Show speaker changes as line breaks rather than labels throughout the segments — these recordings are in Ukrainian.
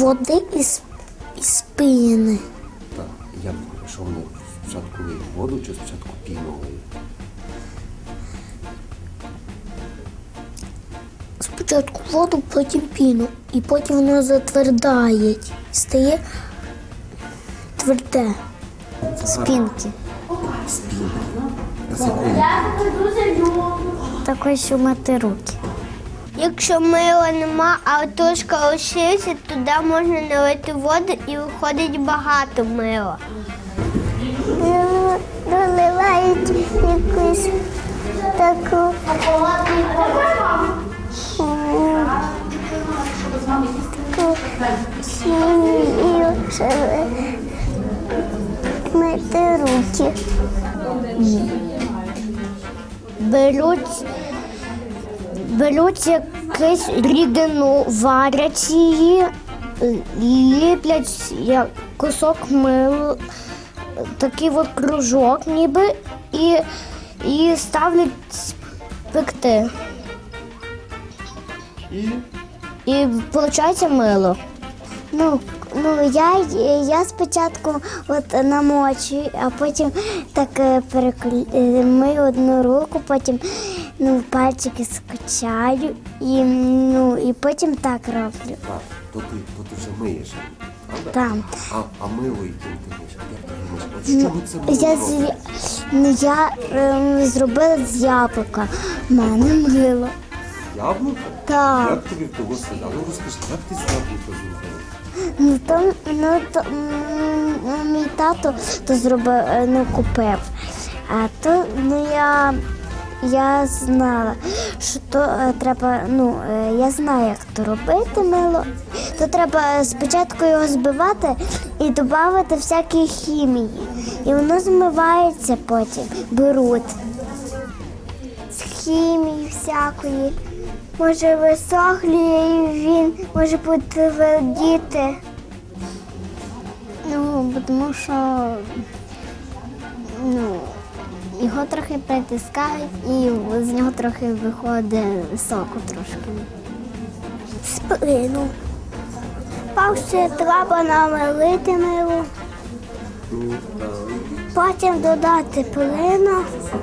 води із піни.
Так, що вони спочатку лиють воду чи спочатку піну лиють?
Спочатку воду, потім піну. І потім воно затвердає. Стає тверде. Спінки.
Спінки. А з якої?
Такої, що мити руки.
Якщо мила нема, а тушка лишилася, туди можна налити воду і виходить багато мила. Доливають якусь таку хімію, щоб мити руки. Беруть якусь рідину, варять її, ліплять як кусок мила, такий от кружок ніби, і ставлять пекти. І виходить мило. Я спочатку намочую, а потім так мию одну руку, потім пальчики скачаю і потім так роблю.
Так, то ти вже миєш, правда?
Так.
А мило яким ти миєш? Як ти миєш? От з чого це мило робить?
Я зробила з яблука. У мене мило.
Яблуко?
Так.
Як тобі того сказали? Ну розкажи, як ти з яблука зробила?
Мій тато то зробив, купив. А то я знала, що то треба, я знаю, як то робити мило. То треба спочатку його збивати і додати всякі хімії. І воно змивається потім, беруть. З хімії всякої. Може висохлює і він може потвердіти. Тому що його трохи притискають і з нього трохи виходить соку трошки. Сплину. Перше треба намелити мило, потім додати плину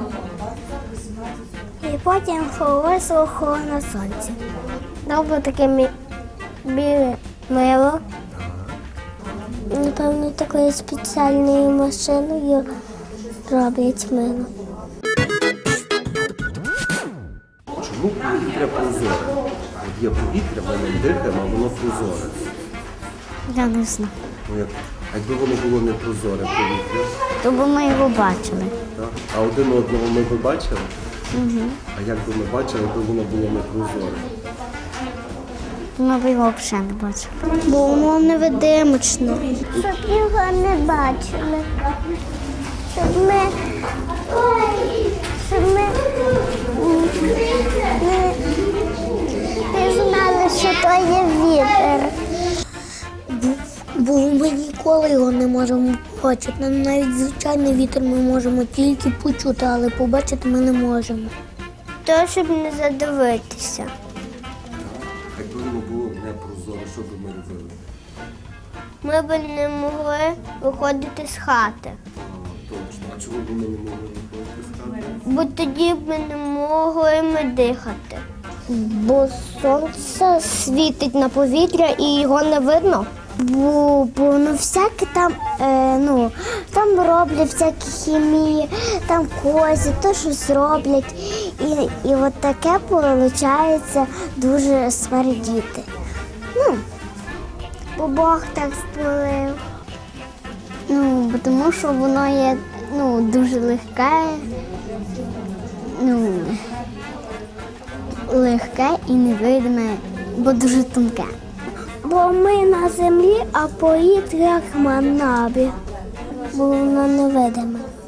і потім висохло на сонці. Добре таке біле мило. Напевно, такою спеціальною машиною роблять мило.
Чому повітря прозоре? От є повітря, ми ним дихаємо, а воно прозоре.
Я не знаю.
А якби воно було не прозоре повітря?
То б ми його бачили.
Так? А один одного ми б бачили? Угу. А як би ми бачили, якби воно було не прозоре?
Ми б його взагалі не бачили. Бо воно невидимочне. Щоб його не бачили. Щоб ми не знали, що то є вітер. Бо ми ніколи його не можемо побачити. Навіть звичайний вітер ми можемо тільки почути, але побачити ми не можемо. То, щоб не задивитися.
Якби воно було не прозоре, що б ми робили?
Ми б не могли виходити з хати.
Точно. А чому б ми не могли виходити з хати?
Бо тоді б ми не могли дихати.
Бо сонце світить на повітря і його не видно. Бо всяке там роблять всякі хімії, там козі, то щось роблять. І от таке виходить дуже смердіти. Бо Бог так створив. Бо тому що воно є дуже легке і невидиме, бо дуже тонке. Бо ми на землі, а повітря як на небі, бо воно невидиме.